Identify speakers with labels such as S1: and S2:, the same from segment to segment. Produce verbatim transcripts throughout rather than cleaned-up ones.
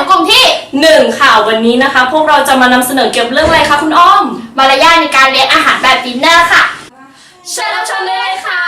S1: กลุ่มที่
S2: หนึ่งค่ะวันนี้นะคะพวกเราจะมานำเสนอเกี่ยวกับเรื่องอะไรคะคุณอ้อม
S1: มารยาทในการเลี้ยงอาหารแบบดินเนอร์ค่ะ
S2: เชิญรับชมได้เลยค่ะ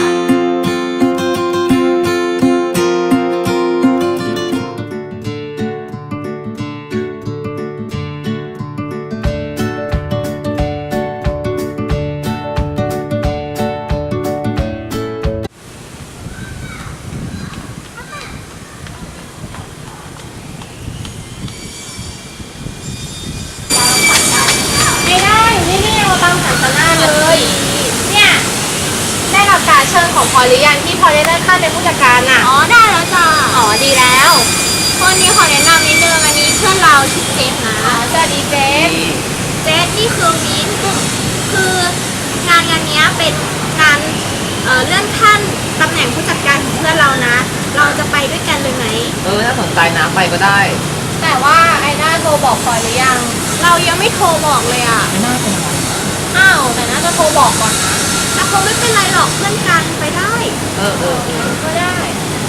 S1: เลยเนี่ยได้รับการเชิญของพอหรือยังที่พอได้เลื่อนขั้นเป็นผู้จัดการอ่ะ
S3: อ๋อได้แล้วจ้ะ
S1: อ๋อดีแล้ว
S3: คนนี้ขอแนะนำนิดนึงอันนี้เพื่อนเราชื่อเจฟนะ
S1: อ๋อสวัสดีเจฟ
S3: เจฟนี่คือมิ้นคืองานงานนี้เป็นงานเอ่อเลื่อนขั้นตำแหน่งผู้จัดการของเพื่อนเรานะเราจะไปด้วยกันเลยไหม
S4: เออน่าสนใจนะไปก็ได้
S1: แต่ว่าไอ้น่าโทรบอกพอหรือยัง
S3: เรายังไม่โทรบอกเลยอ่ะ
S4: ไม่น่าเป็นไร
S1: อ้าวแต่น่าจะโทรบอกก่อนนะ
S3: แต่คงไม่เป็นไรหรอกเพื่อนกันไปได้
S4: เออเออเออ
S1: ก็ได้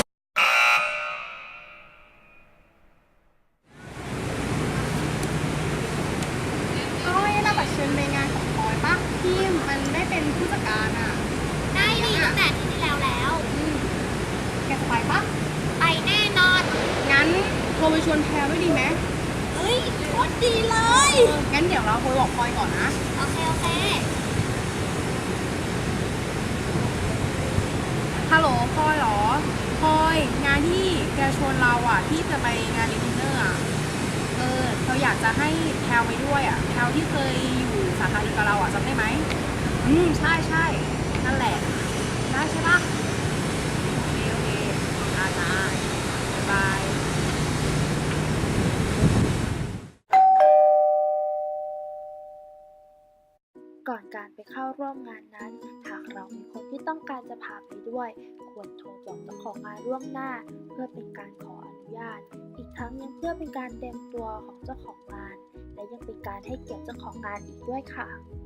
S5: ก้อยน่าบัตรเชิญไปงานของพลอยปะที่มันได้เป็นผู้จัดการอ่ะ
S3: ได้ดีตั้งแต่ที่ที่แล้วแล้ว
S5: แกจะไปปะ
S3: ไปแน่นอน
S5: งั้นโทรไปชวนแพรด้วยดีไหม
S3: เฮ้ยโคตรดีเลย
S5: งั้นเดี๋ยวเราโทรบอกพลอยก่อนนะ
S3: โอเคโอเค
S5: ฮัลโหลพลอยเหรอพลอยงานที่แกชวนเราอ่ะที่จะไปงานดินเนอร์อ่ะเออเราอยากจะให้แพรไปด้วยอ่ะแพรที่เคยอยู่สาขาเดียวกับเราอ่ะจำได้ไหมอืมใช่ใช่นั่นแหละได้ใช่ปะโอเคโอเคอาจ้าบ๊ายบาย
S6: ก่อนการไปเข้าร่วมงานนั้นหากเรามีคนที่ต้องการจะพาไปด้วยควรโทรบอกเจ้าของงานล่วงหน้าเพื่อเป็นการขออนุญาตอีกทั้งยังเพื่อเป็นการเตรียมตัวของเจ้าของงานและยังเป็นการให้เกียรติเจ้าของงานอีกด้วยค่ะ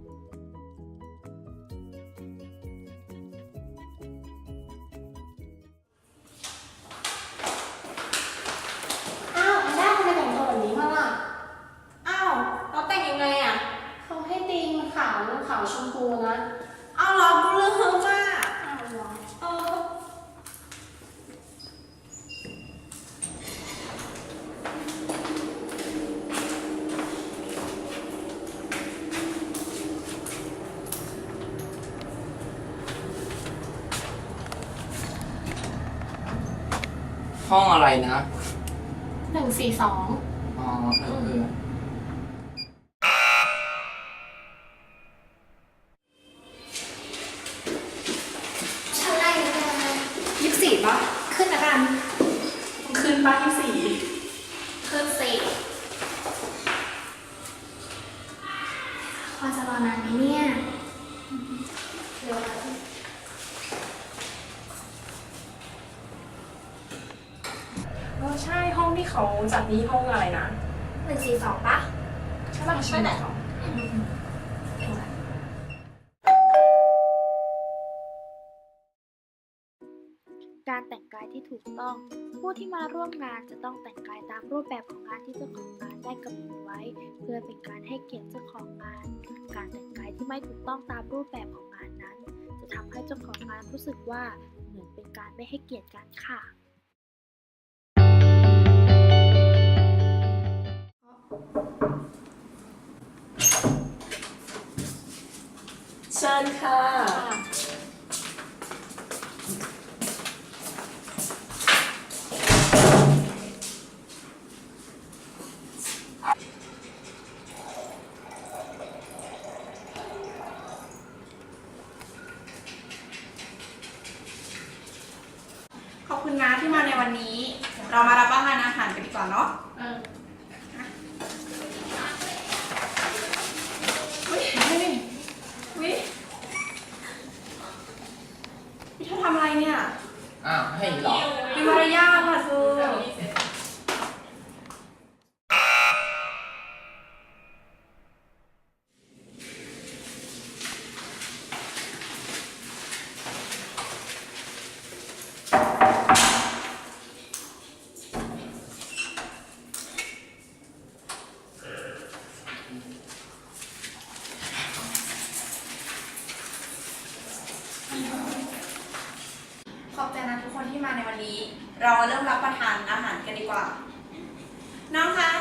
S1: อ้าวได้ทำไมแต่งตัวแบบนี้มาล่ะ
S2: อ้าวเราแต่งยังไงอ่ะ
S1: เขาให้ตีมขาวขาวชมพูนะ
S2: เอาเหรอกูเลือกเฮอร์มา
S1: อ้าวเหรอ
S2: เออ
S4: ห้องอะไรนะ
S1: หนึ่งสี่สอง
S4: อ๋อเออเออ
S1: ชั้นแรกเลยยี่สิบสี่ปะขึ้นนะกัน
S2: ขึ้นป้าที่สี่
S1: ขึ้นสี่พอจะรอนานไหมเนี่ยเร็ว
S2: เออใช่ห้องที่เขาจัดนี่ห้องอะไรนะ
S1: หนึ่งสี่สองปะ
S2: ใช่ป่ะใช่ไหม
S6: การแต่งกายที่ถูกต้องผู้ที่มาร่วมงานจะต้องแต่งกายตามรูปแบบของงานที่เจ้าของงานได้กำหนดไว้เพื่อเป็นการให้เกียรติเจ้าของงานการแต่งกายที่ไม่ถูกต้องตามรูปแบบของงานนั้นจะทำให้เจ้าของงานรู้สึกว่าเหมือนเป็นการไม่ให้เกียรติกันค่ะ
S2: เชิญค่ะ
S5: ขอบคุณนะที่มาในวันนี้เรามารับประทานอาหารกันดีกว่าเนาะ
S2: พี่เธอทำอะไรเนี่ย
S4: อ้าวให้เหรอ
S2: มีมารยาทค่ะเธอ
S3: ที่มาในวันนี้ เรามาเริ่มรับประทานอาหารกันดีกว่า น้องคะ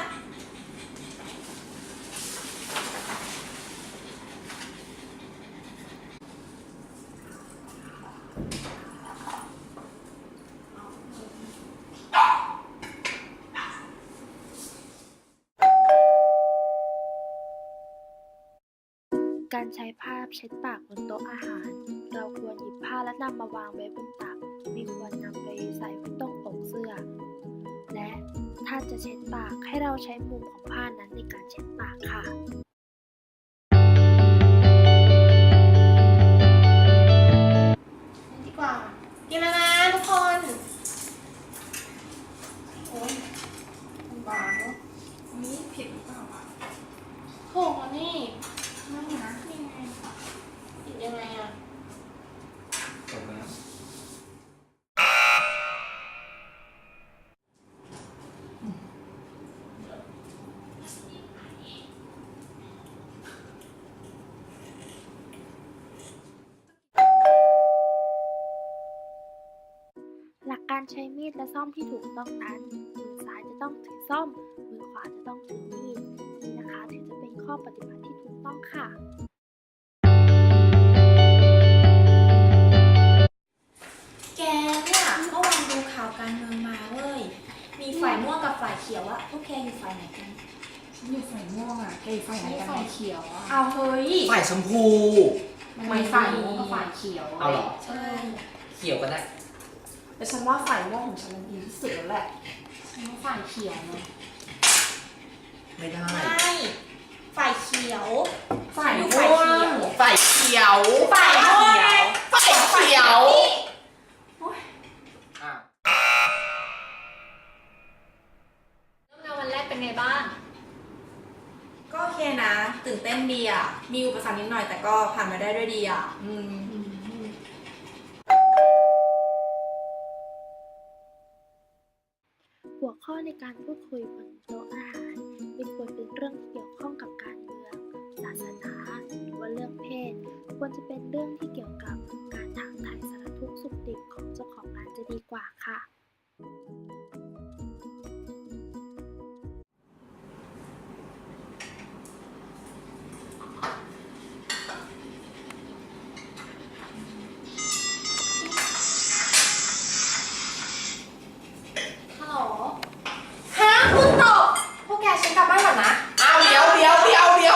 S6: การใช้ผ้าเช็ดปากบนโต๊ะอาหาร เราควรหยิบผ้าและนำมาวางไว้บนตักไม่ควรนำไปใส่ไว้ตรงอกเสื้อ และถ้าจะเช็ดปากให้เราใช้มุมของผ้านั้นในการเช็ดปากค่ะ
S1: ดีกว่า กินแล้วนะทุกคน
S2: โอ้ยมันบางเนาะอันนี้เผ็ดหรือเปล่าวะ
S1: โหนี่
S2: ไม่นะ
S1: นี่ไงกินยังไงอ่ะ
S4: จบแล้ว
S6: หลักการใช้มีดและซ่อมที่ถูกต้องนั้น มือซ้ายจะต้องถือซ่อม มือขวาจะต้องถือมีด นี่นะคะถึงจะเป็นข้อปฏิบัติที่ถูกต้องค่ะ
S3: แกเนี่ยเมื่อวานดูข่าวการเมืองมาเว้ย มีฝ่ายม่วงกับฝ่ายเขียวอะพวกแกอยู่ฝ่ายไหนกัน
S2: ฉันอยู่ฝ่ายม่วงอ่ะแกอยู่ฝ่ายไหนกัน
S1: ฝ่ายเขียวอ่ะ
S3: เอาเฮ้ย
S4: ฝ่ายชมพู
S2: มันมีฝ่ายม่วงกับฝ่ายเขียว
S4: เอาเหรอ
S3: ใช่
S4: เขียวก็ได้
S2: แต่ฉันว่าฝ่ายม่วงของฉันมันดีที่สุดแล้วแหละฉันว่าฝ่ายเขียวเนาะ
S4: ไม่ได้
S3: ไม่ฝ่ายเขียว
S2: ฝ่าย
S3: อยู่
S2: ม่
S3: ฝ่ายว เขี
S2: ง
S3: ยว
S4: ฝ่ายเขียว
S3: ฝ่ายม่วงไง
S4: ฝ่ายเขียวอ่ะ
S1: เริ่มงานวันแรกเป็นไงบ้าง
S3: ก็โอเคนะ ตื่นเต้นดีอ่ะ มีอุปสรรคนิดหน่อยแต่ก็ผ่านมาได้ด้วยดีอ่ะ อืม
S6: หัวข้อในการพูดคุยบนโต๊ะอาหารไม่ควรเป็นเรื่องที่เกี่ยวข้องกับการเมือง ศาสนาหรือว่าเรื่องเพศ ควรจะเป็นเรื่องที่เกี่ยวกับการถามไถ่สารทุกข์สุขดิบของเจ้าของงานจะดีกว่าค่ะ
S1: ฮัลโหล ฮะคุณตกพวกแกฉันกลับบ้านก่อนนะ
S4: เอาเดี๋ยวเดี๋ยวเดี๋ยวเดี๋ยว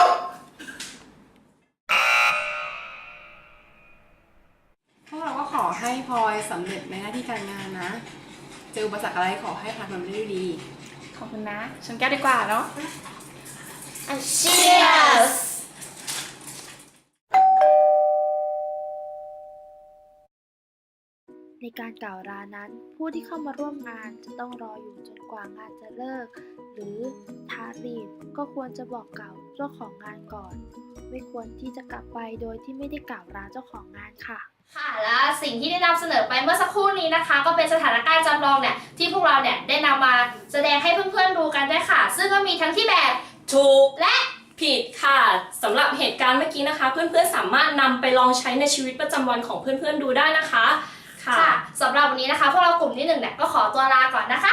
S2: พวกเราก็ขอให้พลอยสำเร็จในหน้าที่การงานนะ เจออุปสรรคอะไรขอให้ผ่านมันไปได้ด้วยดี
S1: ขอบคุณนะ ฉันแก้วดีกว่าเนาะ
S3: Cheers
S6: ในการกล่าวลานั้น ผู้ที่เข้ามาร่วมงานจะต้องรออยู่จนกว่างานจะเลิก หรือถ้ารีบก็ควรจะบอกกล่าวเจ้าของงานก่อน ไม่ควรที่จะกลับไปโดยที่ไม่ได้กล่าวลาเจ้าของงานค่ะ
S1: ค่ะและสิ่งที่ได้นำเสนอไปเมื่อสักครู่นี้นะคะ ก็เป็นสถานการณ์จำลองเนี่ยที่พวกเราเนี่ยได้นำมาแสดงให้เพื่อนๆดูกันด้วยค่ะ ซึ่งก็มีทั้งที่แบบ
S7: ถูก
S1: และ
S7: ผิดค่ะสำหรับเหตุการณ์เมื่อกี้นะคะ เพื่อนๆสามารถนำไปลองใช้ในชีวิตประจำวันของเพื่อนๆดูได้นะคะค่ะ
S1: ค่ะสำหรับวันนี้นะคะพวกเรากลุ่มที่หนึ่งเนี่ยก็ขอตัวลาก่อนนะคะ